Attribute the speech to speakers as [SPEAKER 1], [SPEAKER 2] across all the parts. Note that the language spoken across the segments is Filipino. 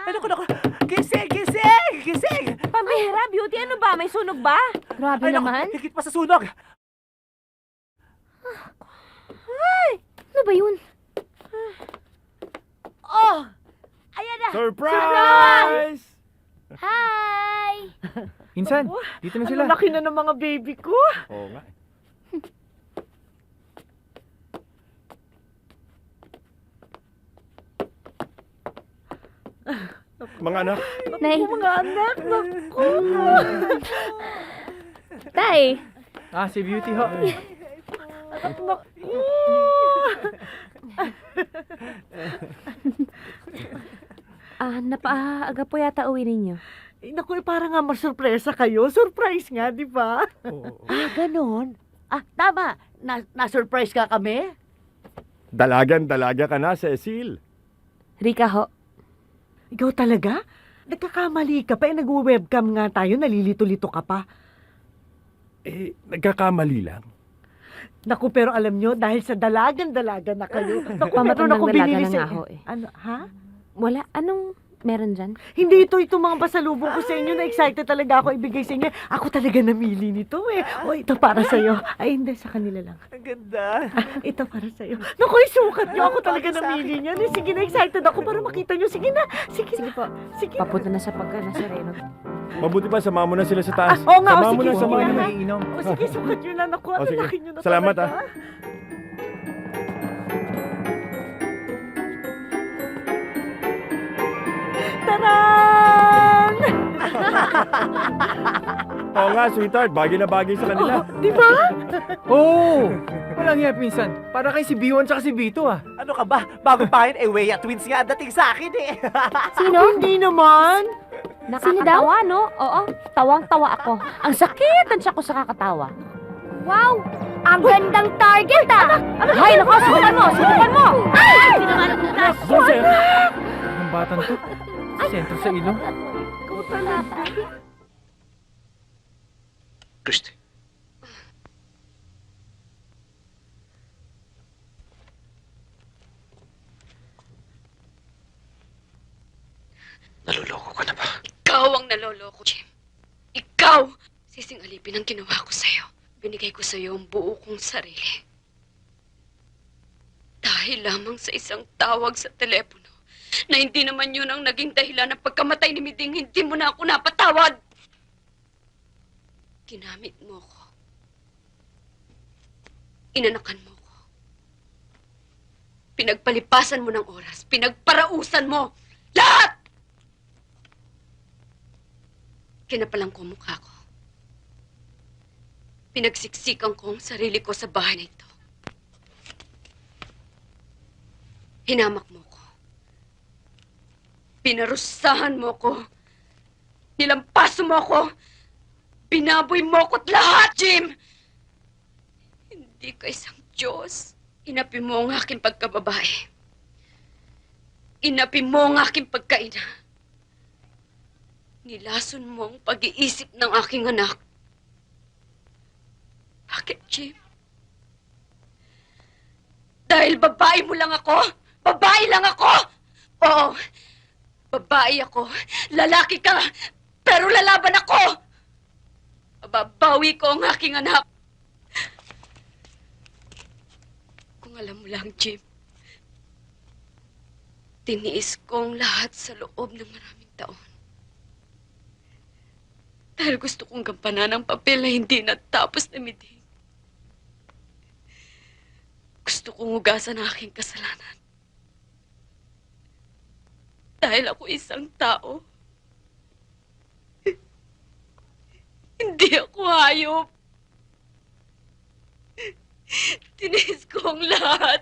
[SPEAKER 1] Naku. Gising! Gising! Gising!
[SPEAKER 2] Pambihira, Beauty, ano ba? May sunog ba? Grabe
[SPEAKER 1] Naku,
[SPEAKER 2] naman.
[SPEAKER 1] higit pa sa sunog.
[SPEAKER 2] Ano ba yun? Oh! Ayan na!
[SPEAKER 3] Surprise!
[SPEAKER 2] Hi!
[SPEAKER 3] Insan, dito na sila.
[SPEAKER 1] Ang laki na ng mga baby ko.
[SPEAKER 3] Oo nga. Mga anak,
[SPEAKER 2] Nay.
[SPEAKER 1] Mga anak, naku.
[SPEAKER 2] Tay!
[SPEAKER 3] si Beauty ho.
[SPEAKER 2] Napaaga po yata uwi ninyo.
[SPEAKER 1] Naku, parang nga masurpresa kayo. Surprise nga, di ba?
[SPEAKER 3] Oo.
[SPEAKER 1] Ganon. Tama. Na-surprise ka kami?
[SPEAKER 3] Dalaga ka na, Cecil.
[SPEAKER 2] Rika ho.
[SPEAKER 1] Ikaw talaga? Nagkakamali ka pa. Nag-webcam nga tayo. Nalilito-lito ka pa.
[SPEAKER 3] Nagkakamali lang.
[SPEAKER 1] Naku, pero alam nyo, dahil sa dalagan-dalaga na kayo. Naku,
[SPEAKER 2] Pamatong
[SPEAKER 1] meron akong
[SPEAKER 2] ng dalaga
[SPEAKER 1] binili
[SPEAKER 2] na
[SPEAKER 1] sa...
[SPEAKER 2] nga ho eh.
[SPEAKER 1] Ano, ha?
[SPEAKER 2] Wala. Anong meron dyan?
[SPEAKER 1] Hindi itong mga pasalubong ko sa inyo. Na-excited talaga ako ibigay sa inyo. Ako talaga namili nito eh. O, ito para sa'yo. Ay, hindi, sa kanila lang.
[SPEAKER 4] Ang ganda.
[SPEAKER 1] Ito para sa'yo. Naku, isukat nyo. Ako talaga namili niyan. Eh, sige na, excited ako para makita nyo. Sige na. Sige
[SPEAKER 2] po.
[SPEAKER 1] Sige.
[SPEAKER 2] Papunta na sa Nazareno.
[SPEAKER 3] Mabuti pa, sama mo na sila sa taas.
[SPEAKER 1] Oo nga,
[SPEAKER 3] Sama mo
[SPEAKER 1] sige,
[SPEAKER 3] na, sama
[SPEAKER 1] sige
[SPEAKER 3] mo
[SPEAKER 1] na.
[SPEAKER 3] na.
[SPEAKER 1] O, sige, sukat nyo na. Naku, ang
[SPEAKER 3] sige.
[SPEAKER 1] laki nyo na
[SPEAKER 3] Salamat,
[SPEAKER 1] talaga. Taran!
[SPEAKER 3] Oo nga, sweetheart. Bagay na bagay sa kanila.
[SPEAKER 1] Di ba?
[SPEAKER 5] Oo! Walang hiya, pinsan. Para kay si B1 tsaka si B2 ah.
[SPEAKER 4] Ano ka ba? Bago pa yun, Weya Twins nga ang dating sa akin eh.
[SPEAKER 1] Sino? Hindi naman.
[SPEAKER 2] Nakakatawa, no? Oo. Tawang-tawa ako. Ang sakit ang tiyak ko sa kakatawa. Wow! Ang gandang target, ah! Hay, naku! Subukan mo! Subukan mo! Ay! Hindi naman ang butas!
[SPEAKER 3] Jose!
[SPEAKER 5] Ang batang to. Sentro sa ilong.
[SPEAKER 6] Christy. Naluloko ka na ba?
[SPEAKER 7] Ikaw ang naloloko, Jim. Ikaw! Sising alipin ang ginawa ko sa'yo. Binigay ko sa'yo ang buo kong sarili. Dahil lamang sa isang tawag sa telepono na hindi naman yun ang naging dahilan ng pagkamatay ni Miding, hindi mo na ako napatawad. Ginamit mo ko. Inanakan mo ko. Pinagpalipasan mo ng oras. Pinagparausan mo. Lahat! Kinapalang ko ang mukha ko. Pinagsiksikan ko ang sarili ko sa bahay na ito. Hinamak mo ko. Pinarusahan mo ko. Nilampaso mo ko. Binaboy mo ko't lahat, Jim! Hindi ka isang Diyos. Inapi mo ang aking pagkababae. Inapi mo ang aking pagkaina. Nilason mo ang pag-iisip ng aking anak. Bakit, Jim? Dahil babae mo lang ako? Babae lang ako? Oo, babae ako. Lalaki ka, pero lalaban ako! Babawi ko ang aking anak. Kung alam mo lang, Jim, tiniis ko ang lahat sa loob ng maraming taon. Dahil gusto kong gampanan ang papel na hindi natapos na Miding. Gusto kong hugasan ang aking kasalanan. Dahil ako isang tao. Hindi ako hayop. Tinis ko ang lahat.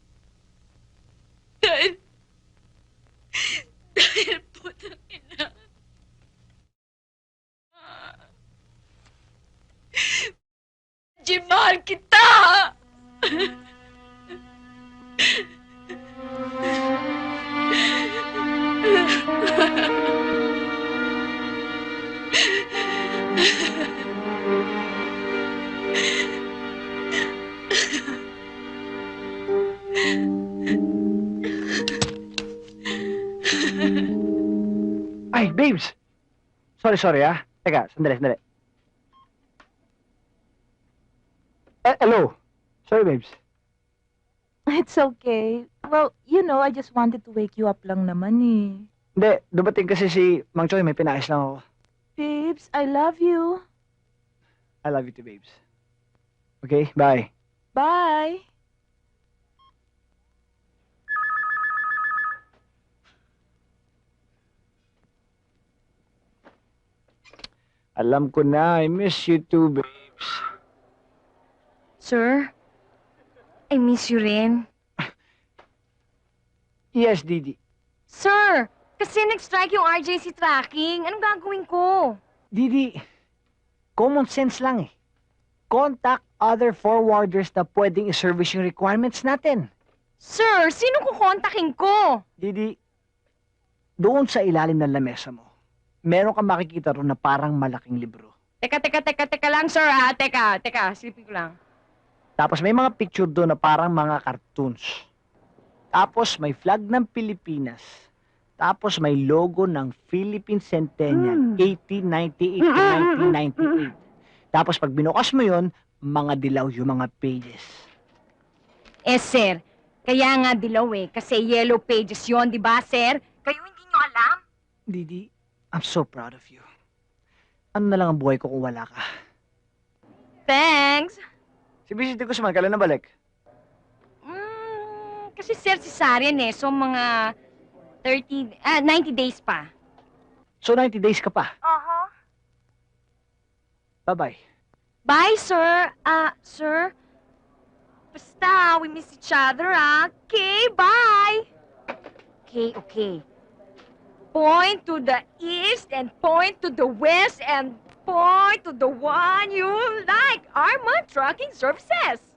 [SPEAKER 7] Dahil putang ina. Jim, mahal kita!
[SPEAKER 6] Ay, babes! Sorry ah. Teka, sandali. Hello. Sorry, babes.
[SPEAKER 8] It's okay. Well, I just wanted to wake you up lang naman eh.
[SPEAKER 6] Hindi, dumating kasi si Mang Choy, may pinayos lang ako.
[SPEAKER 8] Babes, I love you.
[SPEAKER 6] I love you too, babes. Okay, bye.
[SPEAKER 8] Bye.
[SPEAKER 6] Alam ko na, I miss you too, babes.
[SPEAKER 2] Sir, I miss you rin.
[SPEAKER 6] Yes, Didi.
[SPEAKER 2] Sir, kasi nag-strike yung RJC tracking. Anong gagawin ko?
[SPEAKER 6] Didi, common sense lang eh. Contact other forwarders na pwedeng i-service yung requirements natin.
[SPEAKER 2] Sir, sino kukontakin ko?
[SPEAKER 6] Didi, doon sa ilalim ng lamesa mo, meron kang makikita ron na parang malaking libro.
[SPEAKER 2] Teka lang, sir, ha? Teka, silipin ko lang.
[SPEAKER 6] Tapos may mga picture doon na parang mga cartoons. Tapos may flag ng Pilipinas. Tapos may logo ng Philippine Centennial, 1898 to 1998. Tapos pag binukas mo yon, mga dilaw yung mga pages.
[SPEAKER 2] Sir, kaya nga dilaw kasi yellow pages yon, di ba, sir? Kayo hindi nyo alam?
[SPEAKER 6] Didi, I'm so proud of you. Ano na lang ang buhay ko kung wala ka?
[SPEAKER 2] Thanks.
[SPEAKER 6] Si Vicente Guzman, kailan na balik?
[SPEAKER 2] Kasi sir, si Sarian so mga 90 days pa.
[SPEAKER 6] So 90 days ka pa. Bye-bye.
[SPEAKER 2] Bye, sir. Sir? Basta, we miss each other, Okay, bye. Okay. Point to the east and point to the west and point to the one you like. Armand Trucking Services.